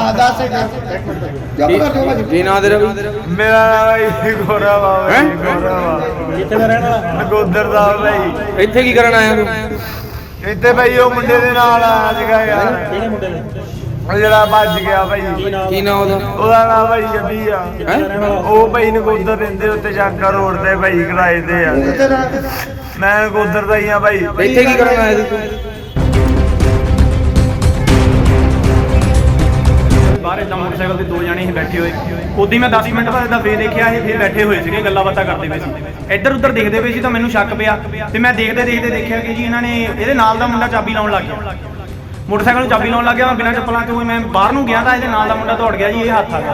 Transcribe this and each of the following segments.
ਕੀ ਨਾਂ ਤੇਰਾ? ਮੇਰਾ ਨਾਮ ਗੋਰਾ ਬਾਬਾ ਹੈ। ਗੋਰਾ ਬਾਬਾ ਕਿੱਥੇ ਦਾ ਰਹਿਣ ਵਾਲਾ? ਨਗੋਦਰ ਦਾ ਭਾਈ। ਇੱਥੇ ਕੀ ਕਰਨ ਆਇਆ ਤੂੰ? ਇੱਥੇ ਭਾਈ ਉਹ ਮੁੰਡੇ ਦੇ ਨਾਲ ਆਇਆ ਸੀਗਾ ਯਾਰ, ਕਿਹੜੇ ਮੁੰਡੇ ਨੇ? ਉਹ ਜਿਹੜਾ ਭੱਜ ਗਿਆ ਭਾਈ। ਕੀ ਨਾਂ ਉਹਦਾ? ਉਹਦਾ ਨਾਮ ਭਾਈ ਜੱਬੀ ਆ। ਉਹ ਭਾਈ ਨਗੋਦਰ ਰਹਿੰਦੇ ਉੱਤੇ ਚਾਕਾ ਰੋਡ ਤੇ ਭਾਈ ਕਿਰਾਏ ਤੇ ਆ। ਮੈਂ ਨਗੋਦਰ ਦਾ ਹੀ ਆ ਭਾਈ। ਇੱਥੇ ਕੀ ਕਰਨ ਆਇਆ ਸੀ ਤੂੰ? ਬਾਹਰ ਇਦਾਂ ਮੋਟਰਸਾਈਕਲ ਤੇ ਦੋ ਜਣੇ ਹੀ ਬੈਠੇ ਹੋਏ। ਉਦੋਂ ਮੈਂ 10 ਮਿੰਟ ਬਾਅਦ ਇਦਾਂ ਫੇਰ ਦੇਖਿਆ ਇਹ ਫੇਰ ਬੈਠੇ ਹੋਏ ਸੀਗੇ, ਗੱਲਾਂ ਬਾਤਾਂ ਕਰਦੇ ਪਏ ਸੀ। ਇੱਧਰ ਉੱਧਰ ਦੇਖਦੇ ਪਏ ਸੀ ਤਾਂ ਮੈਨੂੰ ਸ਼ੱਕ ਪਿਆ ਤੇ ਮੈਂ ਦੇਖਦੇ ਦੇਖਿਆ ਕਿ ਜੀ ਇਹਨਾਂ ਨੇ ਇਹਦੇ ਨਾਲ ਦਾ ਮੁੰਡਾ ਚਾਬੀ ਲਾਉਣ ਲੱਗ ਗਿਆ। ਮੋਟਰਸਾਈਕਲ ਨੂੰ ਚਾਬੀ ਲਾਉਣ ਲੱਗ ਗਿਆ। ਮੈਂ ਬਿਨਾਂ ਚੱਪਲਾਂ ਤੋਂ ਮੈਂ ਬਾਹਰ ਨੂੰ ਗਿਆ ਤਾਂ ਇਹਦੇ ਨਾਲ ਦਾ ਮੁੰਡਾ ਦੌੜ ਗਿਆ ਜੀ, ਇਹ ਹੱਥ ਆ ਗਿਆ।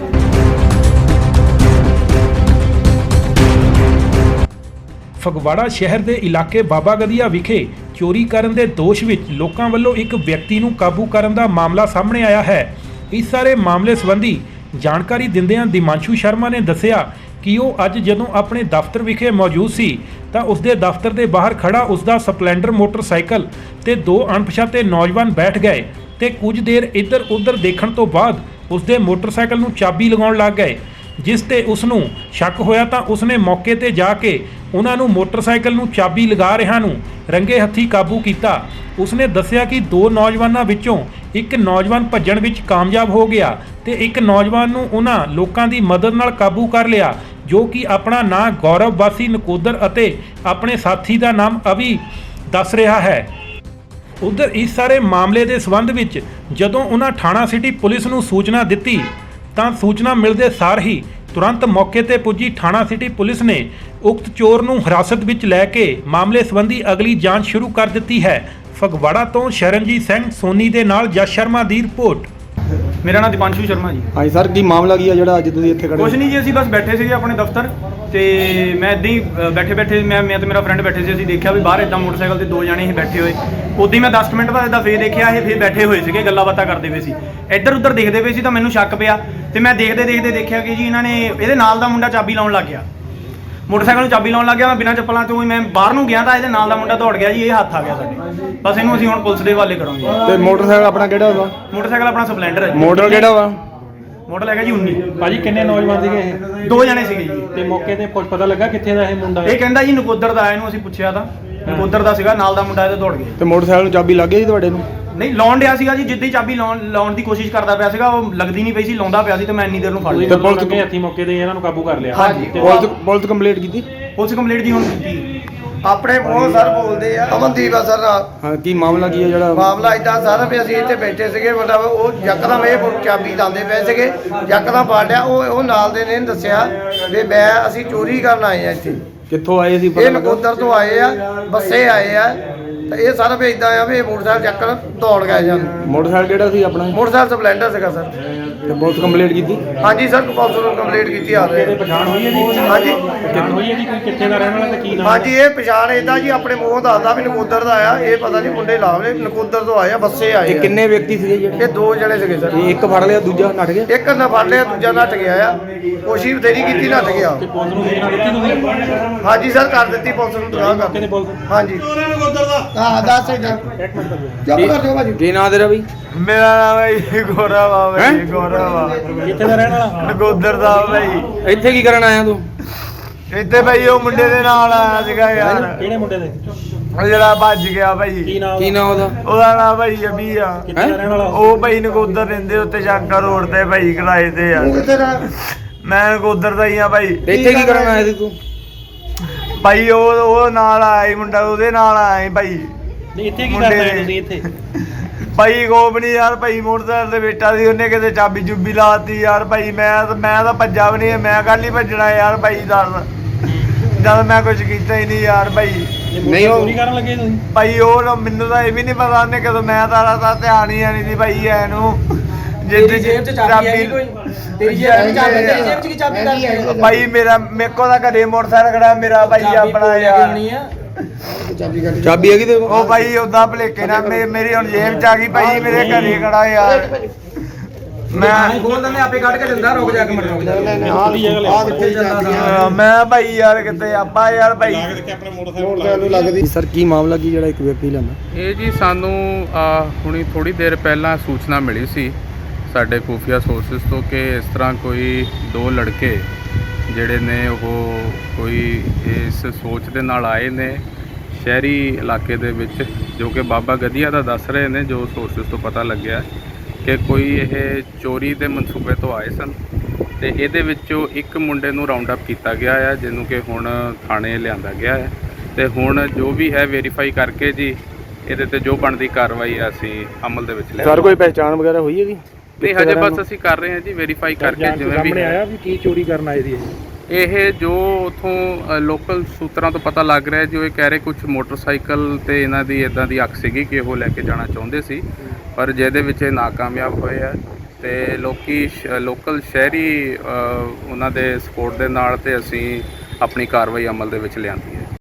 ਫਗਵਾੜਾ ਸ਼ਹਿਰ ਦੇ ਇਲਾਕੇ ਬਾਬਾ ਗਦੀਆ ਵਿਖੇ ਚੋਰੀ ਕਰਨ ਦੇ ਦੋਸ਼ ਵਿੱਚ ਲੋਕਾਂ ਵੱਲੋਂ ਇੱਕ ਵਿਅਕਤੀ ਨੂੰ ਕਾਬੂ ਕਰਨ ਦਾ ਮਾਮਲਾ ਸਾਹਮਣੇ ਆਇਆ ਹੈ। ਇਸ ਸਾਰੇ ਮਾਮਲੇ ਸੰਬੰਧੀ ਜਾਣਕਾਰੀ ਦਿੰਦਿਆਂ ਦਿਮਾਂਸ਼ੂ ਸ਼ਰਮਾ ਨੇ ਦੱਸਿਆ ਕਿ ਉਹ ਅੱਜ ਜਦੋਂ ਆਪਣੇ ਦਫ਼ਤਰ ਵਿਖੇ ਮੌਜੂਦ ਸੀ ਤਾਂ ਉਸਦੇ ਦਫ਼ਤਰ ਦੇ ਬਾਹਰ ਖੜਾ ਉਸਦਾ ਸਪਲੈਂਡਰ ਮੋਟਰਸਾਈਕਲ ਤੇ ਦੋ ਅਣਪਛਾਤੇ ਨੌਜਵਾਨ ਬੈਠ ਗਏ ਤੇ ਕੁਝ ਦੇਰ ਇੱਧਰ ਉੱਧਰ ਦੇਖਣ ਤੋਂ ਬਾਅਦ ਉਸਦੇ ਮੋਟਰਸਾਈਕਲ ਨੂੰ ਚਾਬੀ ਲਗਾਉਣ ਲੱਗ ਗਏ। ਜਿਸ ਤੇ ਉਸ ਨੂੰ ਸ਼ੱਕ ਹੋਇਆ ਤਾਂ ਉਸਨੇ ਮੌਕੇ ਤੇ ਜਾ ਕੇ ਉਹਨਾਂ ਨੂੰ ਮੋਟਰਸਾਈਕਲ ਨੂੰ ਚਾਬੀ ਲਗਾ ਰਿਹਾ ਨੂੰ ਰੰਗੇ ਹੱਥੀ ਕਾਬੂ ਕੀਤਾ। ਉਸਨੇ ਦੱਸਿਆ ਕਿ ਦੋ ਨੌਜਵਾਨਾਂ ਵਿੱਚੋਂ ਇੱਕ ਨੌਜਵਾਨ ਭੱਜਣ ਵਿੱਚ ਕਾਮਯਾਬ ਹੋ ਗਿਆ ਤੇ ਇੱਕ ਨੌਜਵਾਨ ਨੂੰ ਉਹਨਾਂ ਲੋਕਾਂ ਦੀ ਮਦਦ ਨਾਲ ਕਾਬੂ ਕਰ ਲਿਆ ਜੋ ਕਿ ਆਪਣਾ ਨਾਂ ਗੌਰਵ ਵਾਸੀ ਨਕੋਦਰ ਅਤੇ ਆਪਣੇ ਸਾਥੀ ਦਾ ਨਾਮ ਅਵੀ ਦੱਸ ਰਿਹਾ ਹੈ। ਉਧਰ ਇਸ ਸਾਰੇ ਮਾਮਲੇ ਦੇ ਸੰਬੰਧ ਵਿੱਚ ਜਦੋਂ ਉਹਨਾਂ ਥਾਣਾ ਸਿਟੀ ਪੁਲਿਸ ਨੂੰ ਸੂਚਨਾ ਦਿੱਤੀ ਤਾਂ ਸੂਚਨਾ ਮਿਲਦੇ ਸਾਰ ਹੀ ਤੁਰੰਤ ਮੌਕੇ ਤੇ ਪੁੱਜੀ ਥਾਣਾ ਸਿਟੀ ਪੁਲਿਸ ਨੇ ਉਕਤ ਚੋਰ ਨੂੰ ਹਿਰਾਸਤ ਵਿੱਚ ਲੈ ਕੇ ਮਾਮਲੇ ਸੰਬੰਧੀ ਅਗਲੀ ਜਾਂਚ ਸ਼ੁਰੂ ਕਰ ਦਿੱਤੀ ਹੈ। ਫਗਵਾੜਾ ਤੋਂ ਸ਼ਰਨਜੀਤ ਸਿੰਘ ਸੋਨੀ ਦੇ ਨਾਲ ਜਸ ਸ਼ਰਮਾ ਦੀ ਰਿਪੋਰਟ। ਮੇਰਾ ਨਾਮ ਦਿਮਾਂਸ਼ੂ ਸ਼ਰਮਾ ਜੀ। ਹਾਂਜੀ ਸਰ, ਕੀ ਮਾਮਲਾ ਕੀ ਆ ਜਿਹੜਾ ਅੱਜ ਤੁਸੀਂ ਇੱਥੇ ਖੜੇ? ਕੁਛ ਨਹੀਂ ਜੀ, ਅਸੀਂ ਬਸ ਬੈਠੇ ਸੀਗੇ ਆਪਣੇ ਦਫ਼ਤਰ ਤੇ ਮੈਂ ਇੱਦਾਂ ਹੀ ਬੈਠੇ ਮੈਂ ਤੇ ਮੇਰਾ ਫਰੈਂਡ ਬੈਠੇ ਸੀ। ਅਸੀਂ ਦੇਖਿਆ ਵੀ ਬਾਹਰ ਇਦਾਂ ਮੋਟਰਸਾਈਕਲ ਤੇ ਦੋ ਜਣੇ ਹੀ ਬੈਠੇ ਹੋਏ। ਉਦੋਂ ਮੈਂ 10 ਮਿੰਟ ਬਾਅਦ ਇਦਾਂ ਫੇਰ ਦੇਖਿਆ ਇਹ ਫੇਰ ਬੈਠੇ ਹੋਏ ਸੀਗੇ, ਗੱਲਾਂ ਬਾਤਾਂ ਕਰਦੇ ਪਏ ਸੀ। ਇੱਧਰ ਉੱਧਰ ਦੇਖਦੇ ਪਏ ਸੀ ਤਾਂ ਮੈਨੂੰ ਸ਼ੱਕ ਪਿਆ ਤੇ ਮੈਂ ਦੇਖਦੇ ਦੇਖਿਆ ਕਿ ਜੀ ਇਹਨਾਂ ਨੇ ਇਹਦੇ ਨਾਲ ਦਾ ਮੁੰਡਾ ਚਾਬੀ ਲਾਉਣ ਲੱਗ ਗਿਆ। ਮੋਟਰਸਾਈਕਲ ਨੂੰ ਚਾਬੀ ਲਾਉਣ ਲੱਗ ਗਿਆ। ਮੈਂ ਬਿਨਾਂ ਚੱਪਲਾਂ ਤੋਂ ਮੈਂ ਬਾਹਰ ਨੂੰ ਗਿਆ ਤਾਂ ਇਹਦੇ ਨਾਲ ਦਾ ਮੁੰਡਾ ਦੌੜ ਗਿਆ ਜੀ, ਇਹ ਹੱਥ ਆ ਗਿਆ ਸਾਡੇ। ਬਸ ਇਹਨੂੰ ਅਸੀਂ ਹੁਣ ਪੁਲਿਸ ਦੇ ਹਵਾਲੇ ਕਰਾਂਗੇ। ਤੇ ਮੋਟਰਸਾਈਕਲ ਆਪਣਾ ਕਿਹੜਾ ਵਾ? ਮੋਟਰਸਾਈਕਲ ਆਪਣਾ ਸਪਲੈਂਡਰ ਹੈ। ਮਾਡਲ ਕਿਹੜਾ ਵਾ? ਮਾਡਲ ਹੈਗਾ ਜੀ 19। ਭਾਜੀ ਕਿੰਨੇ ਨੌਜਵਾਨ ਸੀਗੇ ਇਹ? ਦੋ ਜਣੇ ਸੀਗੇ ਜੀ। ਤੇ ਮੌਕੇ ਤੇ ਕੁਝ ਪਤਾ ਲੱਗਾ ਕਿੱਥੇ ਦਾ ਇਹ ਮੁੰਡਾ? ਇਹ ਕਹਿੰਦਾ ਜੀ ਨਕੋਦਰ ਦਾ ਆਇਆ, ਇਹਨੂੰ ਅਸੀਂ ਪੁੱਛਿਆ ਤਾਂ ਨਕੋਦਰ ਦਾ ਸੀਗਾ, ਨਾਲ ਦਾ ਮੁੰਡਾ ਇਹਦੇ ਦੌੜ ਗਿਆ। ਤੇ ਮੋਟਰਸਾਈਕਲ ਨੂੰ ਚਾਬੀ ਲੱਗ ਗਈ ਸੀ ਤੁਹਾਡੇ ਨੂੰ? ਨਹੀਂ, ਲਾਉਣ ਡਿਆ ਸੀਗਾ ਜੀ, ਜਿੱਦਾਂ ਹੀ ਚਾਬੀ ਲਾਉਣ ਦੀ ਕੋਸ਼ਿਸ਼ ਕਰਦਾ ਪਿਆ ਸੀਗਾ, ਉਹ ਲੱਗਦੀ ਨਹੀਂ ਪਈ ਸੀ, ਲਾਉਂਦਾ ਪਿਆ ਸੀ ਤੇ ਮੈਂ ਇੰਨੀ ਦੇਰ ਨੂੰ ਫੜ ਲਿਆ। ਤੇ ਪੁਲਿਸ ਕੇ ਹੱਥੀ ਮੌਕੇ ਤੇ ਇਹਨਾਂ ਨੂੰ ਕਾਬੂ ਕਰ ਲਿਆ। ਹਾਂਜੀ। ਪੁਲਿਸ ਕੰਪਲੀਟ ਕੀਤੀ? ਪੁਲਿਸ ਕੰਪਲੀਟ ਜੀ ਹੁਣ ਕੀਤੀ। ਆਪਣੇ ਬਹੁਤ ਸਰ ਬੋਲਦੇ ਆ। ਅਮਨਦੀਪ ਆ ਸਰ ਨਾਲ। ਹਾਂ, ਕੀ ਮਾਮਲਾ ਕੀ ਆ ਜਿਹੜਾ? ਮਾਮਲਾ ਇਦਾਂ ਸਰ ਵੀ ਅਸੀਂ ਇੱਥੇ ਬੈਠੇ ਸੀਗੇ, ਮਤਲਬ ਉਹ ਯਕਦਮ ਇਹ ਚਾਬੀ ਲਾਉਂਦੇ ਪਏ ਸੀਗੇ, ਯਕਦਮ ਫੜ ਲਿਆ। ਉਹ ਨਾਲ ਦੇ ਨੇ ਦੱਸਿਆ ਵੀ ਅਸੀਂ ਚੋਰੀ ਕਰਨ ਆਏ ਆ ਇੱਥੇ। ਕਿੱਥੋਂ ਆਏ ਸੀ? ਇਹ ਨਕੋਦਰ ਤੋਂ ਆਏ ਆ, ਬੱਸੇ ਆਏ ਆ। ਤੇ ਇਹ ਸਰ ਵੀ ਇਦਾਂ ਆ ਵੀ ਮੋਟਰਸਾਈਕਲ ਚੱਕਰ ਦੌੜ ਗਏ ਜਾਨ। ਮੋਟਰਸਾਈਕਲ ਕਿਹੜਾ ਸੀ ਆਪਣਾ? ਮੋਟਰਸਾਈਕਲ ਸਪਲੈਂਡਰ ਸੀਗਾ ਸਰ। ਤੇ ਪੁਲਿਸ ਕੰਪਲੀਟ ਕੀਤੀ? ਹਾਂਜੀ ਸਰ, ਪੁਲਿਸ ਨੂੰ ਕੰਪਲੀਟ ਕੀਤੀ ਆ ਰਹੇ। ਪਛਾਣ ਹੋਈ ਹੈ ਜੀ? ਹਾਂਜੀ ਪਛਾਣ ਹੋਈ ਹੈ ਜੀ ਕੋਈ ਕਿੱਥੇ ਦਾ ਰਹਿਣ ਵਾਲਾ ਤੇ ਕੀ ਨਾਮ? ਹਾਂਜੀ, ਇਹ ਪਛਾਣ ਇਦਾਂ ਜੀ ਆਪਣੇ ਮੂੰਹ ਦੱਸਦਾ ਵੀ ਨਕੋਦਰ ਦਾ ਆਇਆ। ਇਹ ਪਤਾ ਨਹੀਂ ਮੁੰਡੇ ਲਾਵਲੇ ਨਕੋਦਰ ਤੋਂ ਆਏ ਆ, ਬੱਸੇ ਆਏ ਤੇ ਆ। ਕਿੰਨੇ ਵਿਅਕਤੀ ਸੀਗੇ ਜਿਹੜੇ? ਇਹ ਦੋ ਜਣੇ ਸੀਗੇ ਸਰ। ਇੱਕ ਫੜ ਲਿਆ, ਦੂਜਾ ਨੱਠ ਗਿਆ? ਇੱਕ ਨਾ ਫੜ ਲਿਆ, ਦੂਜਾ ਨੱਠ ਗਿਆ ਆ। ਕੋਸ਼ਿਸ਼ ਬਥੇਰੀ ਕੀਤੀ, ਨੱਠ ਗਿਆ। ਤੇ ਪੁਲਿਸ ਨੂੰ ਸੂਚਨਾ ਦਿੱਤੀ ਤੁਸੀਂ? ਹਾਂਜੀ ਸਰ, ਕਰ ਦਿੱਤੀ ਪੁਲਿਸ ਨੂੰ ਤਲਾਹ ਕਰ। ਕਿਹਨੇ ਪੁਲਿਸ? ਹਾਂਜੀ ਹਾਂ, ਦੱਸ ਚੁੱਪ ਕਰ ਜਾਓ ਭਾਜੀ। ਕੀ ਨਾਂ ਤੇਰਾ ਬਈ? ਮੇਰਾ ਨਾਮ ਹੈ ਗੋਰਾ ਬਾਬਾ ਹੈ। ਗੋਰਾ ਬਾਬਾ ਕਿੱਥੇ ਦਾ ਰਹਿਣ ਵਾਲਾ? ਨਗੋਦਰ ਦਾ ਭਾਈ। ਇੱਥੇ ਕੀ ਕਰਨ ਆਇਆ ਤੂੰ? ਇੱਥੇ ਭਾਈ ਉਹ ਮੁੰਡੇ ਦੇ ਨਾਲ ਆਇਆ ਸੀਗਾ ਯਾਰ, ਕਿਹੜੇ ਮੁੰਡੇ ਦੇ? ਉਹ ਜਿਹੜਾ ਭੱਜ ਗਿਆ ਭਾਈ। ਕੀ ਨਾਮ? ਕੀ ਨਾਂ ਉਹਦਾ? ਉਹਦਾ ਨਾਮ ਭਾਈ ਜੱਬੀ ਆ। ਕਿੱਥੇ ਦਾ ਰਹਿਣ ਵਾਲਾ? ਉਹ ਭਾਈ ਨਗੋਦਰ ਰਹਿੰਦੇ ਉੱਤੇ ਚਾਕਾ ਰੋਡ ਤੇ ਭਾਈ ਕਿਰਾਏ ਤੇ ਆ। ਮੈਂ ਨਗੋਦਰ ਦਾ ਹੀ ਆ ਭਾਈ। ਤੇ ਇੱਥੇ ਕੀ ਕਰਨ ਆਇਆ ਸੀ ਤੂੰ? ਭਾਈ ਉਹ ਨਾਲ ਆਇਆ ਸੀ ਮੁੰਡਾ, ਉਹਦੇ ਨਾਲ ਆਇਆ ਸੀ ਭਾਈ। ਨਹੀਂ, ਇੱਥੇ ਕੀ ਕਰਦੇ ਹੋ ਤੁਸੀਂ ਇੱਥੇ? ਭਾਈ ਕੋਪ ਨਹੀਂ ਯਾਰ, ਭਾਈ ਮੋਟਰਸਾਈਕਲ ਤੇ ਬੈਠਾ ਸੀ, ਉਹਨੇ ਕਿਤੇ ਚਾਬੀ ਚੁੱਬੀ ਲਾਤੀ ਯਾਰ। ਭਾਈ ਮੈਂ ਤਾਂ ਭੱਜਾ ਵੀ ਨਹੀਂ, ਮੈਂ ਕੱਲ ਹੀ ਭੱਜਣਾ ਯਾਰ ਭਾਈ। ਦੱਸ, ਜਦ ਮੈਂ ਕੁਝ ਕੀਤਾ ਹੀ ਨਹੀਂ ਯਾਰ ਭਾਈ। ਨਹੀਂ ਉਹ ਚੋਰੀ ਕਰਨ ਲੱਗੇ ਤੁਸੀਂ? ਭਾਈ ਉਹ ਮੈਨੂੰ ਤਾਂ ਇਹ ਵੀ ਨਹੀਂ ਪਤਾ ਉਹਨੇ ਕਦੋਂ, ਮੈਂ ਤਾਂ ਧਿਆਨ ਹੀ ਨਹੀਂ ਸੀ ਭਾਈ ਐਨੂੰ। ਤੇਰੀ ਜੇਬ 'ਚ ਚਾਬੀ ਹੈ ਕੋਈ? ਤੇਰੀ ਜੇਬ 'ਚ ਚਾਬੀ, ਤੇਰੀ ਜੇਬ 'ਚ ਕੀ ਚਾਬੀ ਕਰਨੀ ਹੈ? ਭਾਈ ਮੇਰੇ ਕੋਲ ਤਾਂ ਘਰੇ ਮੋਟਰਸਾਈਕਲ ਖੜਾ ਮੇਰਾ ਭਾਈ ਆਪਣਾ ਯਾਰ। ਚਾਬੀ ਹੈਗੀ ਤੇ? ਉਹ ਭਾਈ ਉਦਾਂ ਭਲੇਕੇ ਨਾਲ ਮੇਰੀ ਹੁਣ ਜੇਬ 'ਚ ਆ ਗਈ ਭਾਈ, ਮੇਰੇ ਘਰੇ ਖੜਾ ਯਾਰ। ਮੈਂ ਖੋਲ ਦਿੰਦੇ, ਆਪੇ ਕੱਢ ਕੇ ਦਿੰਦਾ। ਰੁਕ ਜਾ ਕੇ ਮਿੰਟ, ਰੁਕ ਜਾ। ਮੈਂ ਭਾਈ ਯਾਰ ਕਿਤੇ ਆਪਾਂ ਯਾਰ ਭਾਈ ਸਰ, ਕੀ ਮਾਮਲਾ ਕੀ ਜਿਹੜਾ ਇੱਕ ਵਿਅਕਤੀ ਲੈਂਦਾ? ਇਹ ਜੀ ਸਾਨੂੰ ਹੁਣੀ ਥੋੜੀ ਦੇਰ ਪਹਿਲਾਂ ਸੂਚਨਾ ਮਿਲੀ ਸੀ ਸਾਡੇ ਖੂਫੀਆ ਸੋਰਸਿਸ ਤੋਂ ਕਿ ਇਸ ਤਰ੍ਹਾਂ ਕੋਈ 2 ਲੜਕੇ ਜਿਹੜੇ ਨੇ ਉਹ ਕੋਈ ਇਸ ਸੋਚ ਦੇ ਨਾਲ ਆਏ ਨੇ ਸ਼ਹਿਰੀ ਇਲਾਕੇ ਦੇ ਵਿੱਚ, ਜੋ ਕਿ ਬਾਬਾ ਗਦੀਆ ਦਾ ਦੱਸ ਰਹੇ ਨੇ, ਜੋ ਸੋਰਸਿਸ ਤੋਂ ਪਤਾ ਲੱਗਿਆ ਕਿ ਕੋਈ ਇਹ ਚੋਰੀ ਦੇ ਮਨਸੂਬੇ ਤੋਂ ਆਏ ਸਨ ਤੇ ਇਹਦੇ ਵਿੱਚੋਂ ਇੱਕ ਮੁੰਡੇ ਨੂੰ ਰਾਉਂਡ ਅਪ ਕੀਤਾ ਗਿਆ ਹੈ, ਜਿਹਨੂੰ ਕਿ ਹੁਣ ਥਾਣੇ ਲਿਆਂਦਾ ਗਿਆ ਹੈ ਤੇ ਹੁਣ ਜੋ ਵੀ ਹੈ ਵੈਰੀਫਾਈ ਕਰਕੇ ਜੀ ਇਹਦੇ ਤੇ ਜੋ ਬਣਦੀ ਕਾਰਵਾਈ ਹੈ ਅਸੀਂ ਅਮਲ ਦੇ ਵਿੱਚ ਲਿਆ। ਕੋਈ ਪਹਿਚਾਣ ਵਗੈਰਾ ਹੋਈ ਹੈ ਜੀ? ਨਹੀਂ, ਹਜੇ ਬਸ ਅਸੀਂ ਕਰ ਰਹੇ ਹਾਂ ਜੀ ਵੈਰੀਫਾਈ ਕਰਕੇ, ਜਿਵੇਂ ਵੀ ਆਇਆ ਵੀ ਕੀ ਚੋਰੀ ਕਰਨ ਆਏ ਸੀ ਇਹ ਜੋ ਉਥੋਂ ਲੋਕਲ ਸੂਤਰਾਂ ਤੋਂ ਪਤਾ ਲੱਗ ਰਿਹਾ ਜੋ ਇਹ ਕਹਿ ਰਹੇ ਕੁਝ ਮੋਟਰਸਾਈਕਲ ਤੇ ਇਹਨਾਂ ਦੀ ਇਦਾਂ ਦੀ ਅੱਖ ਸੀਗੀ ਕਿ ਉਹ ਲੈ ਕੇ ਜਾਣਾ ਚਾਹੁੰਦੇ ਸੀ, ਪਰ ਜਿਹਦੇ ਵਿੱਚ ਇਹ ਨਾਕਾਮਯਾਬ ਹੋਏ ਆ ਤੇ ਲੋਕਲ ਸ਼ਹਿਰੀ ਉਹਨਾਂ ਦੇ ਸਪੋਰਟ ਦੇ ਨਾਲ ਤੇ ਅਸੀਂ ਆਪਣੀ ਕਾਰਵਾਈ ਅਮਲ ਦੇ ਵਿੱਚ ਲਿਆਂਦੀ ਹੈ।